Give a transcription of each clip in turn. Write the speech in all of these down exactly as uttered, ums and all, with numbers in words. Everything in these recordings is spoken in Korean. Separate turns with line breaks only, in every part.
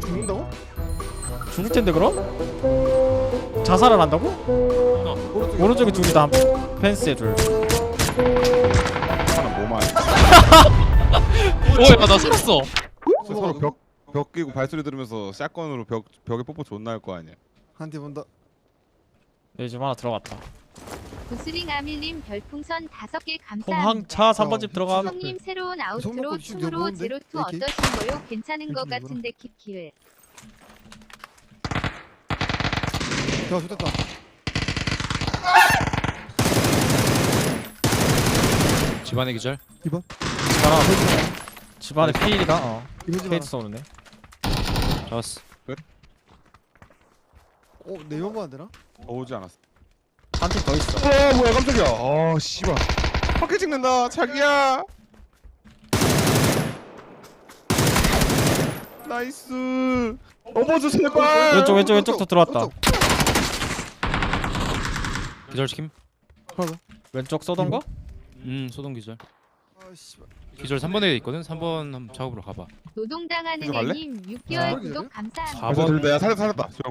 죽는다고?
죽을 텐데 그럼? 자살을 한다고?
오른쪽에,
오른쪽에 둘이다. 펜스에 둘.
하나 뭐만.
오야 나 살았어.
서로 벽, 벽 끼고 발소리 들으면서 샷건으로 벽, 벽에 뽀뽀 존나 할 거 아니야.
한팀 온다.
여기 집 하나 들어갔다.
구스링 아밀님 별풍선 다섯 개 감사합니다.
홍항차 삼 번 집 들어가.
형님 새로운 아우트로
손목도 지금
춤으로
뭐인데?
제로투
이렇게?
어떠신거요? 괜찮은 것
이렇게
같은데 킵킬.
야 좋됐다.
집안의 기절.
이번.
집안아. 집안에 피일이다. 어.
이번 집
페이트
하나.
쏘는데.
잡았어.
어 내용만 안 되나?
더 오지 않았어.
한 팀 더 있어.
어 뭐야 깜짝이야. 아 씨발. 밖에 찍는다 자기야. 나이스. 어머저 제발.
왼쪽 왼쪽 왼쪽도 들어왔다.
오른쪽.
기절 시킴.
하나 더.
왼쪽 쏘던 거?
음 소동 기절.
아 씨발.
기절 삼 번에 있거든. 삼 번 한번 작업으로 가봐.
노동당하는
이거 갈래?
애님 육 개월
아,
구독 감사합니다.
사
아,
번.
들다 야 살렸다 살렸다. 저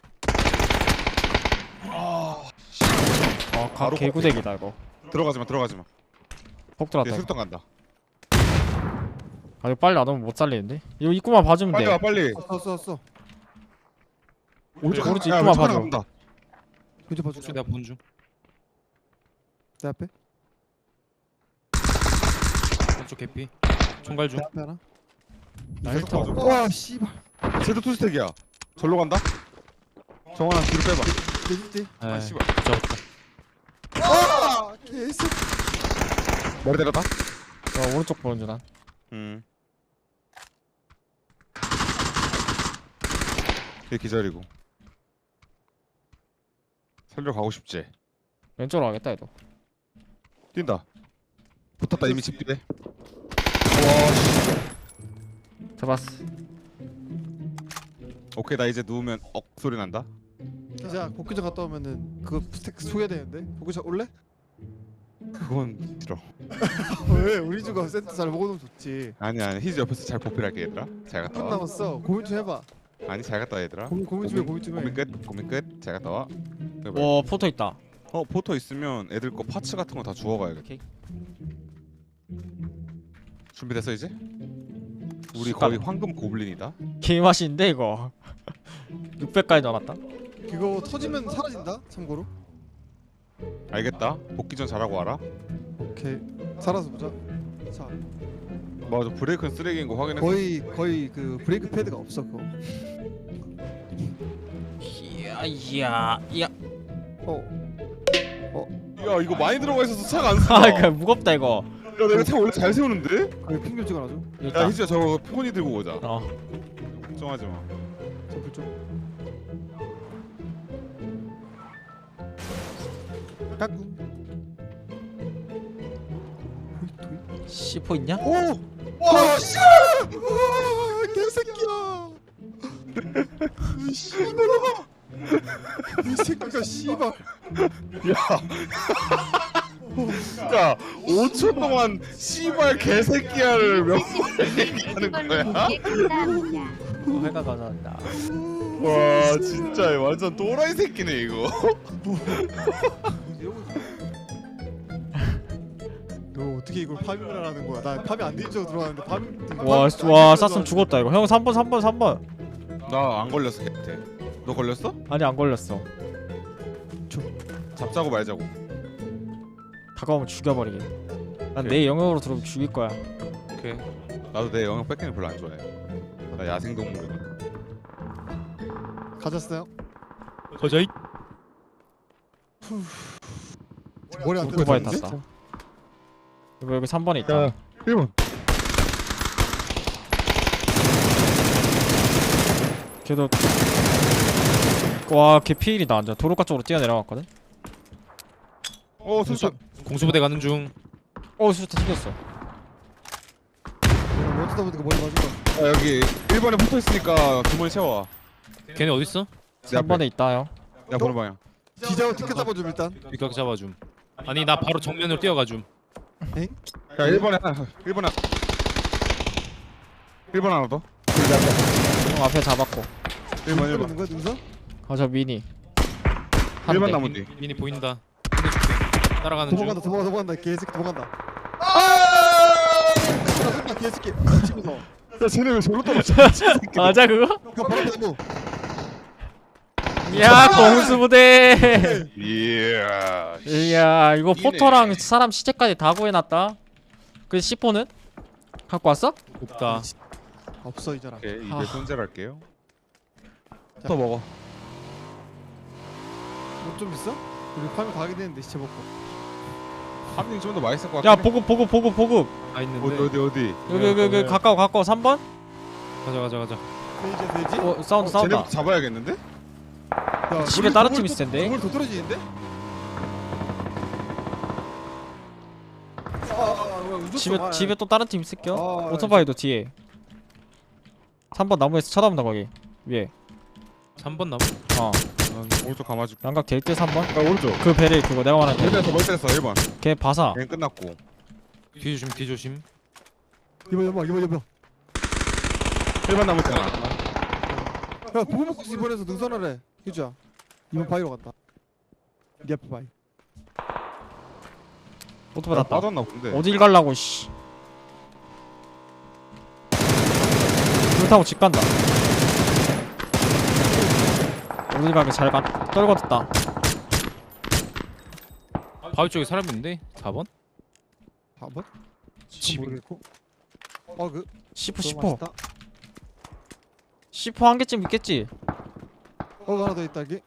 어, 가,
바로
개구대기다 이거.
들어가지 마 들어가지 마.
폭
얘
들어왔다. 이거.
술통 간다.
아 이거 빨리 안 오면 못 살리는데. 이거 입구만 봐주면
빨리
돼.
와 빨리.
왔어 왔어.
오른쪽 오른쪽
야,
입구만
왼쪽 하나
봐줘.
간다.
왼쪽 봐줘.
혹시 내가 본 중.
내 앞에.
왼쪽 개피. 총갈 중.
내 앞에 하나.
나
계속
헬터.
봐줘.
와 씨발.
쟤도 투스택이야. 절로 간다. 정원아 뒤로 빼봐.
내 뒤.
아
에.
씨발.
잡았다.
아 개새.
머리 때렸다.
어, 오른쪽 보는 줄 난.
음. 얘 기절이고. 살려 가고 싶지.
왼쪽으로 가겠다 얘도.
뛴다. 붙었다 이미 집 뒤에.
잡았어.
오케이 나 이제 누우면 억 소리 난다.
자 복귀전 갔다 오면은 그거 스택 소개되는데 복귀전 올래?
그건 싫어.
왜 우리 주가 센터 잘 먹어놓으면 좋지.
아니 아니 히즈 옆에서 잘 보필할게 얘들아. 잘 갔다
한
와.
남았어. 고민 좀 해봐.
아니 잘 갔다 와 얘들아.
고민 고민 좀 해. 고민 좀 해.
고민 끝. 고민 끝. 잘 갔다 와. 해봐.
와 포토 있다.
어 포토 있으면 애들 거 파츠 같은 거 다 주워가야겠다.
오케이.
준비됐어 이제? 우리
씨발.
거의 황금 고블린이다.
개맛인데 이거. 육백까지 넣어놨다.
그거 터지면 사라진다. 참고로.
알겠다. 복귀 전 잘하고 와라.
오케이. 살아서 보자. 자
맞아 브레이크는 쓰레기인 거 확인했어.
거의 거의 그 브레이크 패드가 없어 그거.
이야 이야 이야.
어.
야 이거 많이 들어가 있어서 차가 안 서.
아 이거 무겁다 이거.
야 내가 차 원래 잘 세우는데?
거기 핑좀 찍어놔줘.
여기
야
있다.
희주야 저거 폰이 들고 오자.
어.
걱정하지 마.
저불 좀. 까꿍. 도이 도이.
씨포 있냐?
오! 와 씨! 와 개새끼야! 이 씨발놈아! 이 새끼가 씨발!
야 오 초 동안 씨발 개새끼야를 몇 번 얘기하는 거야?
감사합니다.
어, 회가 감사합니다.
와 진짜 완전 또라이 새끼네 이거.
너 어떻게 이걸 파밍을 하는 거야? 나 파밍 안 되는 줄 들어왔는데 파밍.
와, 와 쐈으면 죽었다 이거. 형 삼 번 삼 번 삼 번.
나 안 걸렸어 걔한테. 너 걸렸어?
아니 안 걸렸어.
잡자고 말자고.
다가오면 죽여버리게. 난
오케이.
내 영역으로 들어오면 죽일 거야.
오케이. 나도 내 영역 뺏기는 별로 안 좋아해. 나 야생동물이거든.
가졌어요?
거자이.
머리 안
오토바이
뜯어졌는데?
탔다. 여기 여기 삼 번에 있다.
일 번.
걔도 와, 걔 피일이다. 완전 도로가 쪽으로 뛰어내려갔거든.
어 수천.
공수부대 가는 중.
어, 수류탄 튕겼어.
어쩌다 보니까 머리 맞은 거.
아 여기 일 번에 붙어 있으니까 주머니 채워.
걔네 어디 있어?
삼 번에 있다 형.
야 보는 방향.
기자고 티켓 잡아줌 일단.
윗각 잡아줌. 아니 나 바로 정면으로 뛰어가줌.
야 일 번에 하나. 일 번에. 일 번 하나 더.
형 앞에 잡았고.
일번
있는
일번
거야 능선?
아 저 미니. 한
일번
대.
나무
미니,
뒤.
미니 보인다. 끝내줄게. 따라가는 중.
도망간다 도망간다 도망간다 개새끼 도망간다. 아! 개새끼. 집에서.
야 쟤네 왜 저로 떨어져?
맞아 그거?
그 바로 나무.
야 공수부대.
이야.
이야 이거
이네.
포터랑 사람 시체까지 다 구해놨다. 그 씨포는 갖고 왔어?
없다.
없어 이 자랑.
오케이
아.
이제 손절할게요. 또 먹어.
뭐좀 비싸? 우리 파밍 가게 되는데 시체 먹고.
함님 좀 더 맛있을 것 같긴
야
해.
보급 보급 보급 보급.
아 있는데.
어디 어디 어디.
여기 여기 여기 가까워 가까워 삼 번?
가자 가자 가자.
돼지 돼지?
어 사운드 사운드.
쟤네부터 잡아야겠는데?
야,
집에
우리
다른
건물
팀
또-
있을 텐데.
건물 더 떨어지는데? 아, 아, 아, 뭐야, 운전
집에
좀, 아,
집에 또 다른 팀 있을겨?
아,
오토바이도 뒤에. 삼 번 나무에서 쳐다본다 거기 위에.
삼 번 나무.
어
아, 오른쪽 감아줄게.
양각 게이트 삼 번.
야 오른쪽.
그 배를 그거 내가 말한
일 번에서 멀리했어 일 번.
걔 바사.
걔는 끝났고.
뒤 조심 뒤 조심.
이번 연막 이번 연막.
일 번 남았잖아.
야 보고 먹고 이번에서 능선하래. 휴지야. 이번 바위로 갔다. 네 앞에 바위.
오토바이
나
났다.
빠졌나 본데.
어딜 갈라고 씨. 불 타고 집 간다. 어딜 가게 잘 가. 떨궈졌다.
바위 쪽에 사람 있는데. 사 번?
사 번?
집.
모르겠고. 어그
시포 시포. 시포 한 개쯤 있겠지.
어 하나 더 있다 여기.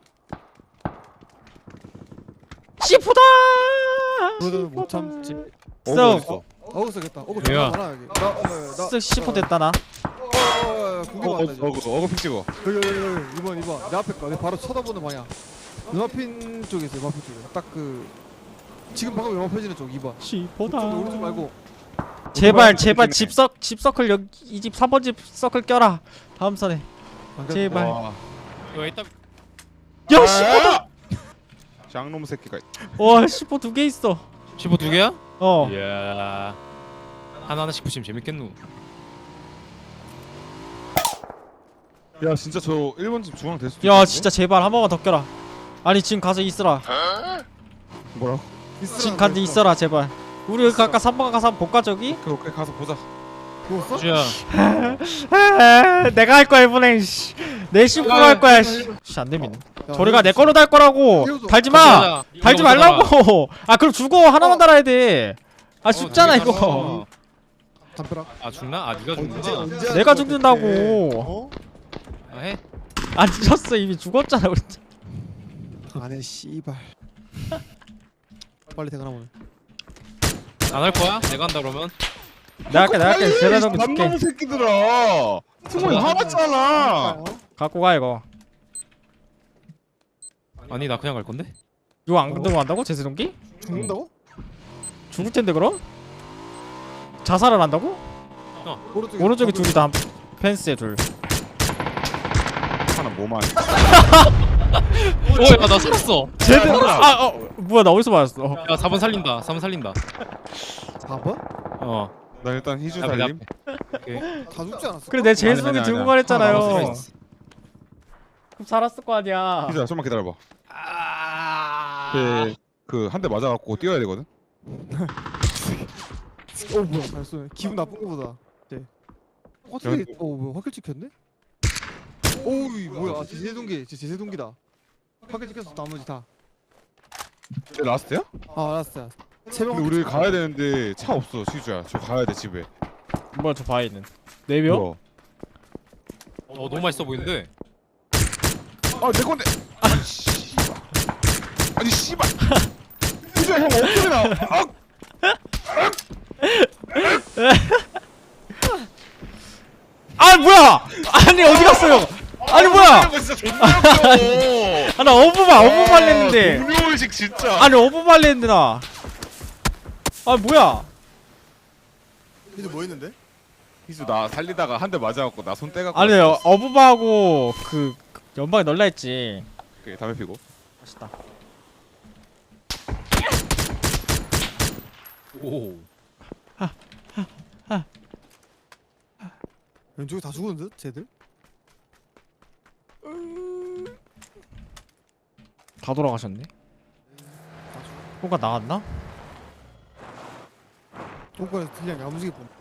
시포다.
그러다 못 참지.
어그
써.
어딨어?
어그 써겠다. 어그
왜요?
존나 많아 여기. 나나
쓱 시포 됐다 나.
어어 공개
어, 어,
받다 이제.
어그 어그 픽 찍어.
여기 여기 여기 이번 이번 내 앞에 거. 내 바로 쳐다보는 방향. 눈앞인 쪽에 있어. 눈앞인 쪽에. 딱 그 지금 방금 영화 펴지는 쪽 이 번.
시포다.
그쪽 오른쪽 말고.
제발
오토바이
제발
픽이네.
집석 집서클 여기 이 집 삼 번 집 서클 껴라. 다음 선에.
안 가-
제발.
와.
이거 이따.
야 시포다.
장놈 새끼가.
와 시포 두 개 있어.
십오 두 개야?
어.
이야. 하나 하나씩 붙이면 재밌겠누.
야 진짜 저 일 번 집 중앙 될 수도
야
있겠는데?
진짜 제발 한 번만 더 껴라. 아니 지금 가서 있으라.
뭐라고?
지금 가서 있어라 제발. 우리 여기 아까 삼 번 가서 한번 볼까 저기?
오케이 오케이 가서 보자.
누웠어?
주야.
아, 내가 할 거야 이번엔 씨. 내 심부로 할 거야 씨. 씨, 안 되면. 저리가 내 걸로 달 거라고.
태워줘.
달지 마.
가자.
달지
이거 먼저 달아.
말라고. 아 그럼 죽어 하나만 달아야 돼. 아 죽잖아
되게
이거.
담벼락.
아 죽나? 아 네가
언제
죽는구나.
언제 할
내가
거야,
죽는다고.
그때? 어?
아 해?
안 죽었어 이미 죽었잖아 우리.
안해 씨발. 빨리 퇴근하고.
안 할 거야? 내가 한다 그러면.
내가 할게 내가 할게 제대로 좀 줄게.
남놈 새끼들아. 승원이 화났잖아.
갖고 가 이거.
아니 나 그냥 갈 건데.
이거 안 들고 간다고 제세동기?
죽는다고?
죽을 텐데 그럼? 자살을 한다고?
오른쪽에
오른쪽에 둘이 다 펜스에 둘.
하나 뭐만.
오야 나 살았어.
쟤들
야,
아 어, 뭐야 나 어디서 맞았어?
야 사 번 살린다. 사 번 살린다.
사 번?
어.
나 일단 희주
앞에,
살림.
오케이.
다 죽지 않았어?
그래 내
아니,
제세동기
아니,
들고
아니야.
가랬잖아요.
하나
살아
남았어.
있어.
그럼 살았을 거 아니야.
희주야 좀만 기다려봐.
아.
그한 대 맞아갖고 뛰어야 되거든.
어 뭐야 잘 쏘네. 기분 나쁜 거보다. 네. 확실히
야,
어 뭐야 확실 찍혔네? 오이 뭐야 아, 제세동기 제 제세동기다. 확실 찍혔어 나머지 다.
내 라스트야?
아 알았어. 세명
근데 우리 가야 되는데 차 없어 희주야. 저 가야 돼 집에.
뭐야 저 바위는 네 명?
뭐야?
어 너무 맛있어 보이는데.
아내 건데. 아니 씨발. 아니 씨발. 희주야 형 엉덩이나. 아!
아 뭐야? 아니 어디 갔어요? 아니 뭐야?
이거 진짜 존나 웃겨.
아나 어부만 어부만 했는데.
동료의식 진짜.
아니 어부만 했는데 나. 아 뭐야?
이제 뭐 했는데?
희주 나 살리다가 한 대 맞아갖고 나 손 떼갖고.
아니 어부바하고 그 연방에 널라 했지.
오케이 담배 피고.
맛있다.
오.
왼쪽에 다 죽었는데 쟤들?
다 돌아가셨네. 뭔가 나왔나?
똥간에서 그냥 야무지게 본.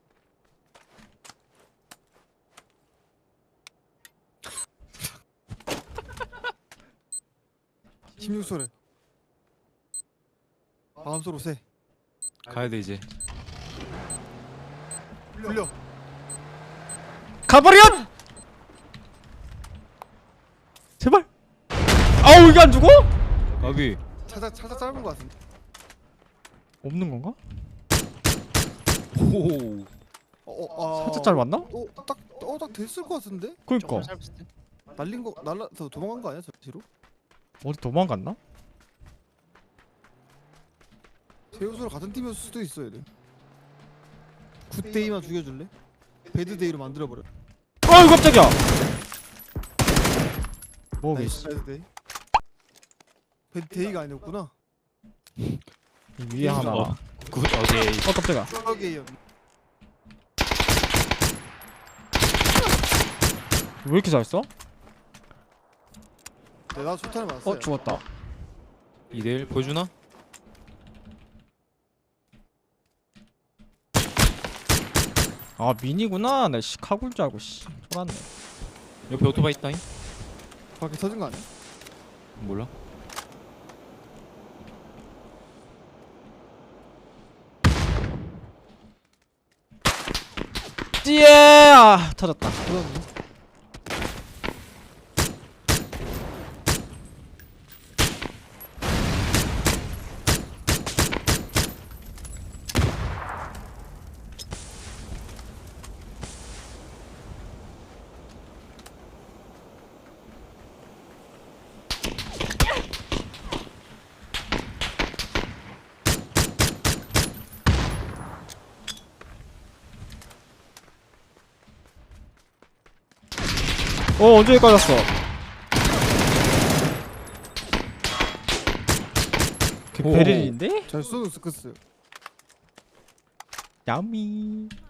십육 소래. 마음속으로 세.
가야 돼 이제.
굴려.
가버려! 제발. 아우 이게 안 죽어?
가비.
차자 차자 짧은 거 같은데.
없는 건가?
오.
어, 어, 아.
살짝 짧았나?
어, 딱, 어, 딱 됐을 것 같은데?
그니까
날린 거, 날라서 도망간 거 아니야, 저 뒤로?
어디 도망갔나?
제우스랑 같은 팀이었을 수도 있어야 돼. 굿데이만 죽여줄래? 배드데이로 만들어버려.
아유 깜짝이야. 뭐
나이스, 배드데이. 배드데이가 아니었구나.
위에 하나. 어
굿 어게이.
깜짝이야.
추억이에요.
왜 이렇게 잘 써?
네, 나 초탄을 맞았어.
어 죽었다.
이 대 일 보여주나?
아 미니구나. 나 씨 카굴 줄 알고 씨 쫄았네.
옆에 오토바이 있다잉?
밖에 터진 거 아니야?
몰라.
띠에 아 터졌다.
터졌네.
어 언제 여기까지 왔어? 걔
오.
베릴인데?
잘 쏘는 스크스.
야미.